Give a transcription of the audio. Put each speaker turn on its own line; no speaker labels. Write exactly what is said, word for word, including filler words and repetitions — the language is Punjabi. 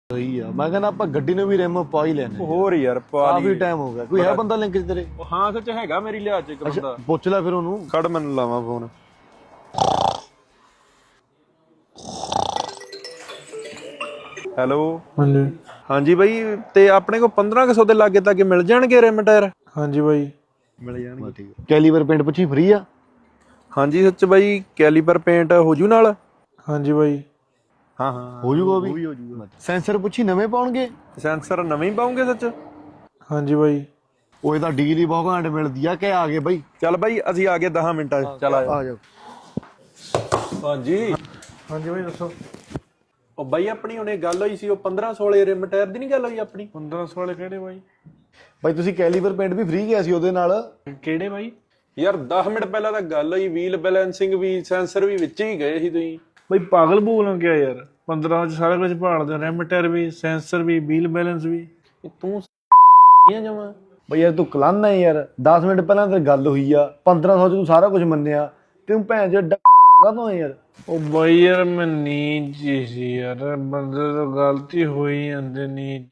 ਸਹੀ ਆ। ਮੈਂ ਕਹਿੰਦਾ ਆਪਾਂ ਗੱਡੀ ਨੂੰ ਵੀ ਰਿਮ ਪਾ ਹੀ ਲੈਣੇ।
ਹੋਰ ਯਾਰ ਪਾ
ਕਾਫੀ
ਲਈ
ਟਾਈਮ ਹੋ ਗਿਆ। ਕੋਈ ਹੈ ਬੰਦਾ ਲਿੰਕ ਚ ਤੇਰੇ?
ਹਾਂ ਸੱਚ ਹੈਗਾ ਮੇਰੀ ਲਿਹਾਜ਼ ਚ ਇੱਕ ਬੰਦਾ।
ਪੁੱਛ ਲੈ ਫਿਰ ਉਹਨੂੰ।
ਖੜ ਮੈਨੂੰ ਲਾਵਾਂ ਫੋਨ। ਹੈਲੋ
ਹਾਂਜੀ
ਹਾਂਜੀ ਬਾਈ, ਤੇ ਆਪਣੇ ਕੋਲ ਪੰਦਰਾਂ ਕੁ ਸੌ ਦੇ ਲਾਗੇ ਤੱਕ ਮਿਲ ਜਾਣਗੇ ਰਿਮ ਟਾਇਰ?
ਹਾਂਜੀ ਬਾਈ
ਮਿਲ ਜਾਣਗੇ।
ਠੀਕ ਹੈ। ਕੈਲੀਬਰ ਪੇਂਟ ਪੁੱਛੀ ਫ੍ਰੀ ਆ?
ਹਾਂਜੀ ਸੱਚ ਬਾਈ, ਕੈਲੀਪਰ ਪੇਂਟ ਹੋ ਜੂ ਨਾਲ?
ਹਾਂਜੀ ਬਾਈ
ਹਾਂ ਹਾਂ
ਹੋ ਜੂਗਾ ਉਹ
ਵੀ
ਵੀ।
ਹੋ ਜੂਗਾ।
ਸੈਂਸਰ ਪੁੱਛੀ ਨਵੇਂ ਪਾਉਣਗੇ?
ਸੈਂਸਰ ਨਵੇਂ ਹੀ ਪਾਉਂਗੇ ਸੱਚ?
ਹਾਂਜੀ ਬਾਈ
ਉਹ ਇਹਦਾ ਡੀਲ ਹੀ ਬਹੁਤ ਘੰਟ ਮਿਲਦੀ ਆ ਕਿ ਆ ਗਏ ਬਾਈ?
ਚੱਲ ਬਾਈ ਅਸੀਂ ਆ ਗਏ ਦਸ ਮਿੰਟਾਂ ਚ। ਚੱਲ
ਆ ਜਾਓ।
ਹਾਂਜੀ
ਹਾਂਜੀ ਬਾਈ ਦੱਸੋ।
ਉਹ ਬਾਈ ਆਪਣੀ ਹੁਣੇ ਗੱਲ ਹੋਈ ਸੀ, ਉਹ ਪੰਦਰਾਂ ਸੌ ਵਾਲੇ ਰਿਮ ਟਾਇਰ ਦੀ ਨਹੀਂ ਗੱਲ ਹੋਈ ਆਪਣੀ?
ਪੰਦਰਾਂ ਸੌ ਵਾਲੇ ਕਿਹੜੇ ਬਾਈ?
ਬਾਈ ਤੁਸੀਂ ਕੈਲੀਬਰ ਪੇਂਟ ਵੀ ਫ੍ਰੀ ਗਿਆ ਸੀ ਉਹਦੇ ਨਾਲ।
ਕਿਹੜੇ ਬਾਈ?
ਯਾਰ ਦਸ ਮਿੰਟ ਪਹਿਲਾਂ ਤਾਂ ਗੱਲ ਹੋਈ, ਵੀਲ ਬੈਲੈਂਸਿੰਗ ਵੀ ਸੈਂਸਰ ਵੀ ਵਿੱਚ ਹੀ ਗਏ ਸੀ ਤੁਸੀਂ।
ਬਾਈ ਪਾਗਲ ਬੋਲਾਂ ਕਿਆ ਯਾਰ, ਪੰਦਰਾਂ ਚ ਸਾਰਾ ਕੁਝ ਭਾਲਦੇ, ਰਿਮ ਟਾਇਰ ਵੀ, ਸੈਂਸਰ ਵੀ, ਵੀਲ ਬੈਲੈਂਸ ਵੀ।
ਤੂੰ ਜਮਾ
ਬਈ ਯਾਰ ਤੂੰ ਕਲਾਨਾ ਹੈ ਯਾਰ। ਦਸ ਮਿੰਟ ਪਹਿਲਾਂ ਤੇ ਗੱਲ ਹੋਈ ਆ, ਪੰਦਰਾਂ ਸੌ ਚ ਤੂੰ ਸਾਰਾ ਕੁਝ ਮੰਨਿਆ। ਤੂੰ ਭੈਣ ਚ ਕਾਹਤੋਂ ਯਾਰ?
ਉਹ ਬਾਈ ਯਾਰ ਮੈਂ ਨੀਂਦ ਜੀ ਸੀ ਯਾਰ, ਬੰਦੇ ਤੋਂ ਗਲਤੀ ਹੋਈ ਜਾਂਦੀ ਨੀਂਦ।